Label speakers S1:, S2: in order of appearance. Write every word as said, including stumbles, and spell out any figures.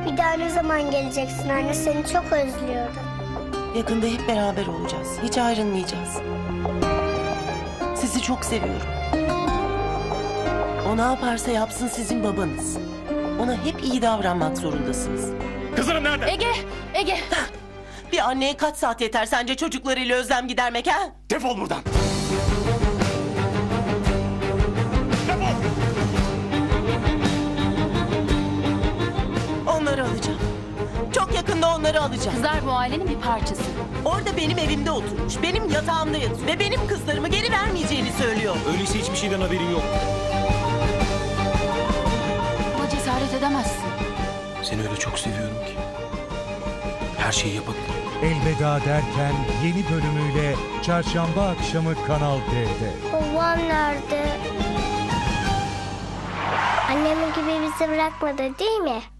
S1: Bir daha ne zaman geleceksin anne? Seni çok özlüyorum.
S2: Yakında hep beraber olacağız. Hiç ayrılmayacağız. Sizi çok seviyorum. O ne yaparsa yapsın sizin babanız. Ona hep iyi davranmak zorundasınız.
S3: Kızlarım nerede?
S4: Ege, Ege.
S2: Bir anneye kaç saat yeter sence çocuklarıyla özlem gidermek ha?
S3: Defol buradan. Defol.
S2: Onları alacağım. Çok yakında onları alacağım.
S4: Kızlar bu ailenin bir parçası.
S2: Orada benim evimde oturmuş, benim yatağımda yatıyor ve benim kızlarımı geri vermeyeceğini söylüyor.
S3: Öyleyse hiçbir şeyden haberin yok.
S4: Buna cesaret edemezsin.
S3: Seni öyle çok seviyorum ki. Her şeyi yapabilirim.
S5: Elveda derken yeni bölümüyle çarşamba akşamı Kanal D'de.
S1: Babam nerede? Annemin gibi bizi bırakmadı değil mi?